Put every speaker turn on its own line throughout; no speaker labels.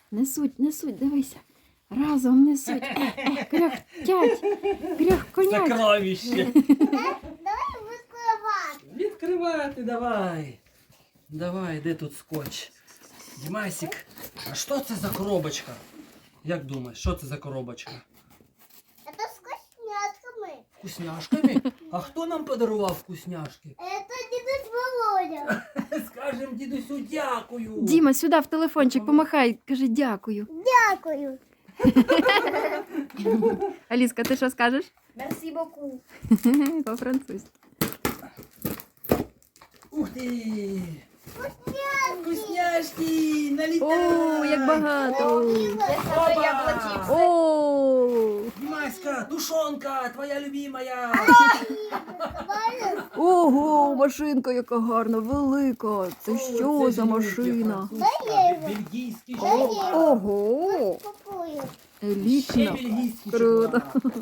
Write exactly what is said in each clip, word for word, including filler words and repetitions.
Несуть, несуть, дивися. Разом несуть. Ех, ех, кряхтять, кряхконять.
Сокровище.
Давай відкривати.
Відкривати давай. Давай, де тут скотч? Дімасик, а що це за коробочка? Як думаєш, що це за коробочка?
Це з вкусняшками.
Вкусняшками? А хто нам подарував вкусняшки?
Це дідусь Володя.
Скажем дідусю дякую.
Діма, сюди в телефончик помахай, кажи дякую.
Дякую.
Аліска, ти що скажеш?
Merci beaucoup.
По-французьки.
Ух ти!
Вкусняшки.
Вкусняшки! Налітай!
О, як багато.
Опа!
О,
Дімаська, тушонка, твоя любимая!
ого, машинка яка гарна, велика. Це що за машина?
Бельгійський
О,
шоколад.
ого,
Купую.
Ще
елітна.
бельгійський
Круто.
шоколад.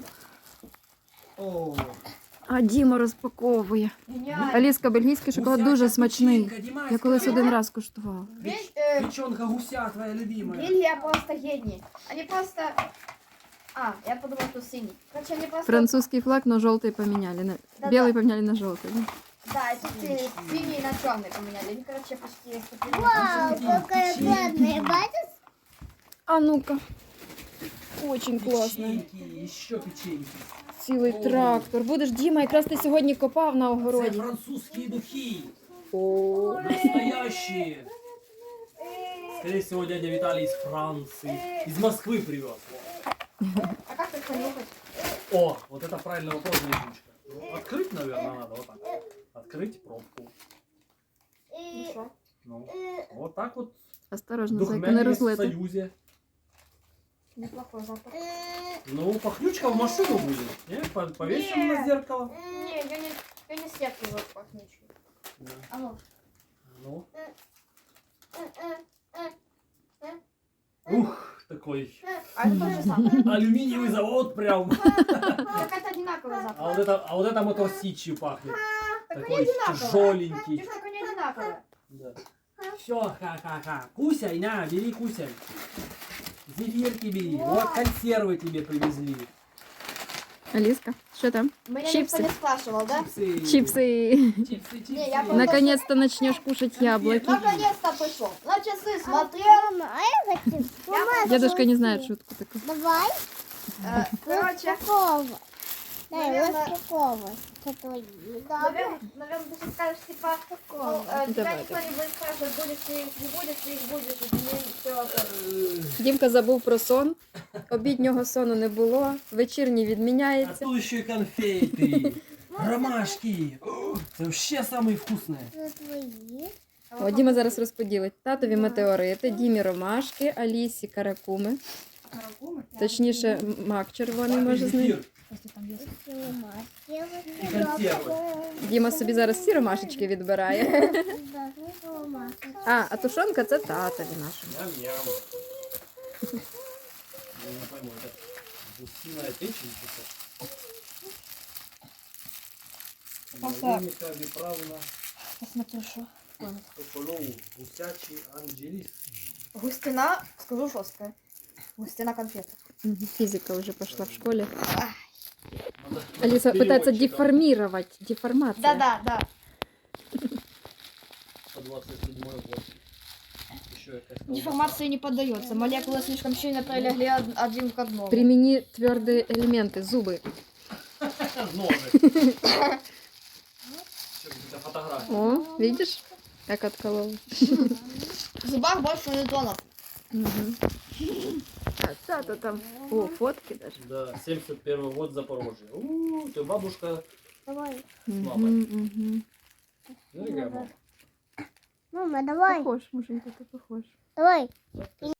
О,
А Діма розпаковує. Аліска, бельгійський шоколад
гусяча
дуже смачний.
печінка, Дімаська.
Я колись один раз куштувала.
Печ-
Э,
Печенка гуся твоя любимая.
Бельгия просто гений. Они просто... А, я подумала, что синий. Короче, они просто...
Французский флаг, но желтый поменяли. На...
Да-да.
Белый поменяли на желтый. Да?
Да, эти си- синий на черный поменяли. Они, короче, почти... скопировали.
Вау, какая классная. Бачиш?
А ну-ка. Очень класно.
Печеньки, еще печеньки.
Цілий
О.
трактор. Будеш, Діма, якраз ти сьогодні копав на
Це
огороді.
французские духи.
О.
Настоящие. Скорее всего, дядя Виталий из Франции. Из Москвы привез.
А как их понюхать?
О, вот это правильный вопрос, Надюшка. Ну, открыть, наверное, надо вот так. Открыть пробку.
Ну
І,
что?
Ну,
і,
вот так вот.
Осторожно, зайка, не
Духмяне в
розлити.
союзе.
Неплохой запах.
і,
Ну, пахнючка в машину будет. Не? По- Повесим
Не.
на зеркало.
Не, я не, я не стерпну его пахнучку.
Да.
А ну.
Ну.
і, і,
Ух, такой
А это тот же самый.
алюминиевый завод прям.
Так это одинаковый запах.
А вот это, а вот это мотор сичью пахнет.
Так они
Такой
одинаковые.
тяжеленький.
Честно, они одинаковые.
Да. Все, ха-ха-ха. Кусяй, на, бери кусяй. Зефирки бери. Вот консервы тебе привезли.
Аліска, що там?
Меня
Чипсы.
никто не спрашивал, да?
Чипсы.
Чипсы.
Чипсы, чипсы.
Не, я просто-
Наконец-то начнешь кушать яблоки.
Наконец-то пришло. На часы смотрел.
Мама, а я хочу. Мама,
Дедушка не знает шутку такую.
Давай.
Э, Короче,
Распаковывай. Дай,
Наверно-
распаковывай. Это твои.
наверное, наверное, ты сейчас скажешь, типа, ну, э, тебя
Давай,
никто не будет спрашивать, будешь ты их, не будешь ты их, будешь, и тебе все.
Э,
Дімка забув про сон. Обіднього сону не було. Вечірній
А
відміняється.
тут еще и конфеты. Ромашки. О, это вообще самые вкусные.
Это твои.
О, Діма зараз розподілить. Татові метеорити, Дімі ромашки, Алісі каракуми. Точніше, м- мак червоний може з ним.
Зефир.
Эти маски.
И консервы.
Діма собі зараз всі ромашечки відбирає.
Да, ну, маски.
А, а тушонка це татові нашому.
Ням-ням. Я не пойму, это гусиная печень что-то?
Просто-
Наверняка неправильно.
Посмотри, что.
Соколову, гусячий анджеліс.
Густина, скажу жесткая. Густина конфет.
Мгм, физика уже пошла в школе.
Надо
Алиса пытается
переводчиком.
деформировать. Деформация.
Да-да, да.
По двадцать седьмой год. Еще якась колбаса.
Деформации не поддается. Молекулы слишком сильно прилегли од- один к одному.
Примени твердые элементы, зубы.
Ножик. Что, какие-то фотографии.
О, видишь, как отколол.
В зубах больше нейтронов.
Мгм. А тата там. О, фотки даже.
Да, семьдесят первый год Запорожье. У, ты бабушка.
Давай.
Мама.
Мгм, мгм.
Ну, какая мама.
Мама, давай.
Похож, муженька, ты похож.
Давай.